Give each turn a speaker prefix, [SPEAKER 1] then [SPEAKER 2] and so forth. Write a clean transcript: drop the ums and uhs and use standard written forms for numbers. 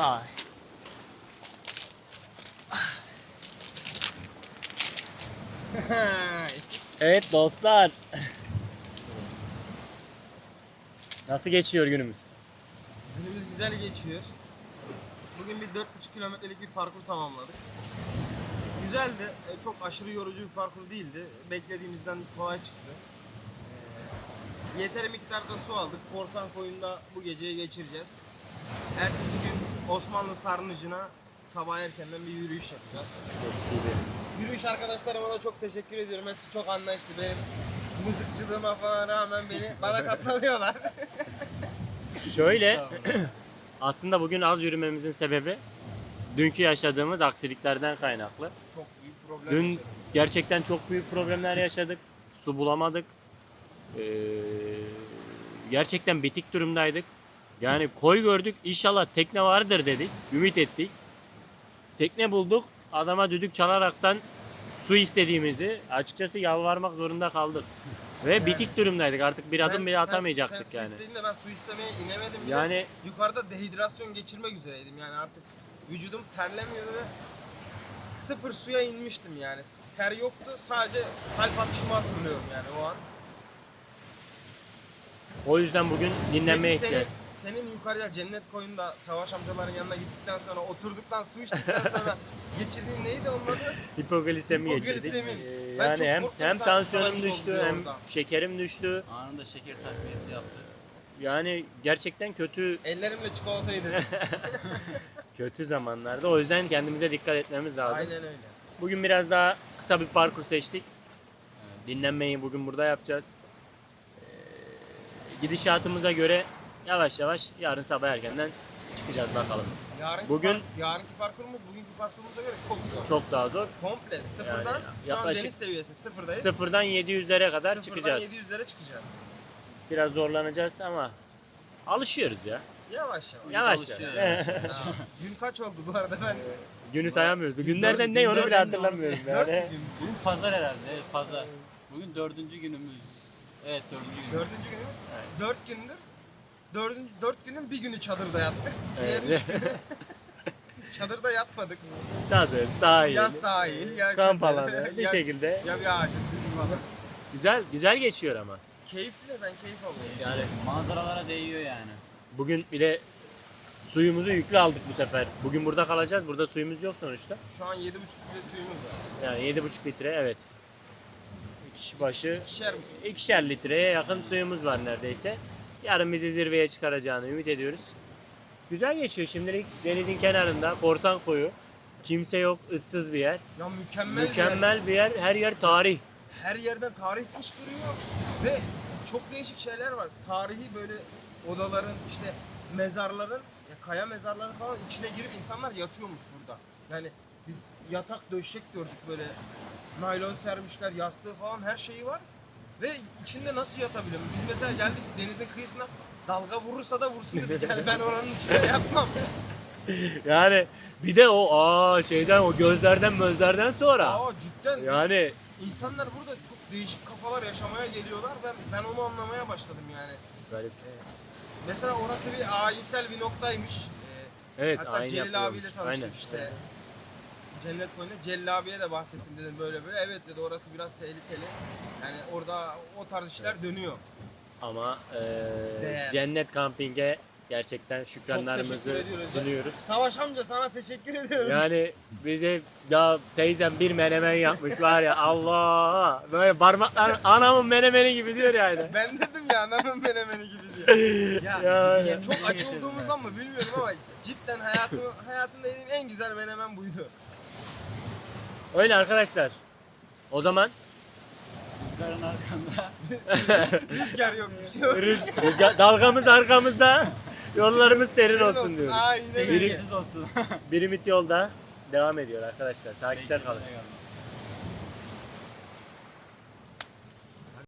[SPEAKER 1] Ay. Evet dostlar. Nasıl geçiyor günümüz?
[SPEAKER 2] Günümüz güzel geçiyor. Bugün bir 4,5 kilometrelik bir parkur tamamladık. Güzeldi. Çok aşırı yorucu bir parkur değildi. Beklediğimizden kolay çıktı. Yeteri miktarda su aldık. Korsan Koyun'da bu geceyi geçireceğiz. Ertesi gün Osmanlı Sarnıcı'na sabah erkenden bir yürüyüş yapacağız. Yürüyüş arkadaşlarıma da çok teşekkür ediyorum. Hepsi çok anlayışlı. Benim mızıkçılığıma falan rağmen bana katlanıyorlar.
[SPEAKER 1] Şöyle aslında bugün az yürümemizin sebebi dünkü yaşadığımız aksiliklerden kaynaklı.
[SPEAKER 2] Çok büyük problem
[SPEAKER 1] Dün
[SPEAKER 2] yaşadım.
[SPEAKER 1] gerçekten çok büyük problemler yaşadık. Su bulamadık. Gerçekten bitik durumdaydık. Yani koy gördük. İnşallah tekne vardır dedik. Ümit ettik. Tekne bulduk. Adama düdük çalaraktan su istediğimizi açıkçası yalvarmak zorunda kaldık. Ve bitik durumdaydık. Artık bir adım bile atamayacaktık
[SPEAKER 2] sen
[SPEAKER 1] yani.
[SPEAKER 2] Su istediğinde ben su istemeye inemedim bile.
[SPEAKER 1] Yani
[SPEAKER 2] Yukarıda dehidrasyon geçirmek üzereydim. Yani artık vücudum terlemiyordu ve sıfır suya inmiştim yani. Ter yoktu. Sadece kalp atışımı hatırlıyorum yani o an.
[SPEAKER 1] o yüzden bugün dinlenmeye
[SPEAKER 2] Peki
[SPEAKER 1] ihtiyaç.
[SPEAKER 2] senin yukarıya Cennet Koyun'da Savaş amcaların yanına gittikten sonra oturduktan su içtikten sonra geçirdiğin neydi onun adı?
[SPEAKER 1] Hipoglisemi geçirdik.
[SPEAKER 2] Hipoglisemi. Ben
[SPEAKER 1] Yani
[SPEAKER 2] çok
[SPEAKER 1] hem
[SPEAKER 2] korktum
[SPEAKER 1] hem
[SPEAKER 2] sana
[SPEAKER 1] tansiyonum
[SPEAKER 2] bir şey
[SPEAKER 1] düştü
[SPEAKER 2] oldu
[SPEAKER 1] hem
[SPEAKER 2] orada.
[SPEAKER 1] şekerim düştü.
[SPEAKER 3] Anında şeker takviyesi yaptı.
[SPEAKER 1] Yani gerçekten
[SPEAKER 2] Ellerimle çikolata yedim.
[SPEAKER 1] kötü zamanlarda. O yüzden kendimize dikkat etmemiz lazım.
[SPEAKER 2] Aynen öyle.
[SPEAKER 1] Bugün biraz daha kısa bir parkur seçtik. Dinlenmeyi bugün burada yapacağız. Gidişatımıza göre yavaş yavaş yarın sabah erkenden çıkacağız bakalım.
[SPEAKER 2] Yarınki parkurumuz bugünkü parkurumuza göre çok zor.
[SPEAKER 1] Çok daha zor.
[SPEAKER 2] Komple sıfırdan
[SPEAKER 1] Yani
[SPEAKER 2] şu an
[SPEAKER 1] yaklaşık
[SPEAKER 2] deniz seviyesi sıfırdayız.
[SPEAKER 1] Sıfırdan 700'lere kadar
[SPEAKER 2] Sıfırdan
[SPEAKER 1] çıkacağız.
[SPEAKER 2] 700'lere çıkacağız.
[SPEAKER 1] Biraz zorlanacağız ama alışıyoruz ya.
[SPEAKER 2] Yavaş yavaş.
[SPEAKER 1] Yavaş
[SPEAKER 3] alışıyoruz.
[SPEAKER 1] yavaş.
[SPEAKER 2] Ha, Gün kaç oldu bu arada ben?
[SPEAKER 1] Günü sayamıyoruz. Günlerden ne onu
[SPEAKER 2] Dört
[SPEAKER 1] bile
[SPEAKER 2] gün
[SPEAKER 1] hatırlamıyorum
[SPEAKER 2] oldu.
[SPEAKER 1] yani.
[SPEAKER 2] 4 gün.
[SPEAKER 3] Bugün pazar herhalde. Evet pazar. Bugün 4. günümüz. Evet 4. günümüz.
[SPEAKER 2] 4. günümüz. 4 gündür. 4 günün bir günü çadırda yattık. Diğer
[SPEAKER 1] Evet.
[SPEAKER 2] 3 günü çadırda yatmadık.
[SPEAKER 1] Çadır, sahil,
[SPEAKER 2] Ya sahil ya
[SPEAKER 1] kamp
[SPEAKER 2] çadır,
[SPEAKER 1] alanı bir
[SPEAKER 2] ya,
[SPEAKER 1] şekilde
[SPEAKER 2] ya bir ağacın dibi falan.
[SPEAKER 1] güzel geçiyor ama.
[SPEAKER 2] Keyifli, ben keyif alıyorum.
[SPEAKER 1] Yani
[SPEAKER 3] Manzaralara değiyor yani.
[SPEAKER 1] bugün bile suyumuzu yüklü aldık bu sefer. Bugün burada kalacağız. Burada suyumuz yok sonuçta.
[SPEAKER 2] Şu an 7,5 litre suyumuz var.
[SPEAKER 1] Yani 7,5 litre evet. Kişi başı
[SPEAKER 2] İkişer buçuk.
[SPEAKER 1] 2'şer litreye yakın suyumuz var neredeyse. Yarın bizi zirveye çıkaracağını ümit ediyoruz. Güzel geçiyor şimdilik denizin kenarında Korsan Koyu. Kimse yok, ıssız bir yer.
[SPEAKER 2] Ya mükemmel,
[SPEAKER 1] Mükemmel bir yer. Her yer tarih.
[SPEAKER 2] Her yerden tarih fışkırıyor ve çok değişik şeyler var. Tarihi böyle odaların işte mezarların, ya kaya mezarları falan içine girip insanlar yatıyormuş burada. Yani biz yatak döşek gördük böyle naylon sermişler, yastığı falan her şeyi var. Ve içinde nasıl yatabilirim? Biz mesela geldik denizin kıyısına dalga vurursa da vursun dedik. Yani ben oranın içinde yatmam.
[SPEAKER 1] Yani bir de o şeyden o gözlerden sonra
[SPEAKER 2] Aa cidden.
[SPEAKER 1] yani
[SPEAKER 2] İnsanlar burada çok değişik kafalar yaşamaya geliyorlar. Ben onu anlamaya başladım yani.
[SPEAKER 1] garip.
[SPEAKER 2] Mesela orası bir ayinsel bir noktaymış.
[SPEAKER 1] Evet,
[SPEAKER 2] Hatta
[SPEAKER 1] ayin
[SPEAKER 2] Celil
[SPEAKER 1] yapıyormuş.
[SPEAKER 2] abiyle tanıştık
[SPEAKER 1] Aynen.
[SPEAKER 2] işte. Cennet Koyun'da Celil abiye de bahsettim dedim böyle. Evet dedi orası biraz tehlikeli. Yani orada o tarz işler dönüyor.
[SPEAKER 1] Ama
[SPEAKER 2] Değer.
[SPEAKER 1] Cennet Camping'e gerçekten
[SPEAKER 2] Çok
[SPEAKER 1] şükranlarımızı
[SPEAKER 2] teşekkür ediyoruz.
[SPEAKER 1] sunuyoruz.
[SPEAKER 2] Savaş amca sana teşekkür ediyorum.
[SPEAKER 1] Yani bize ya teyzem bir menemen yapmış var ya Allah böyle parmaklar anamın menemeni gibi diyor yani.
[SPEAKER 2] Ben dedim ya anamın menemeni gibi diye. Ya
[SPEAKER 1] Yani.
[SPEAKER 2] çok aç olduğumuzdan mı bilmiyorum ama cidden hayatımda yediğim en güzel menemen buydu.
[SPEAKER 1] Öyle arkadaşlar. O zaman
[SPEAKER 3] Rüzgarın arkanda.
[SPEAKER 2] Rüzgar yok bir şey yok.
[SPEAKER 1] dalgamız arkamızda, yollarımız serin
[SPEAKER 2] Senin
[SPEAKER 1] olsun diyoruz.
[SPEAKER 2] Aynen öyle.
[SPEAKER 3] Tehlikesiz olsun.
[SPEAKER 1] Birimit yolda devam ediyor arkadaşlar. Takipte kalın.
[SPEAKER 3] Eyvallah.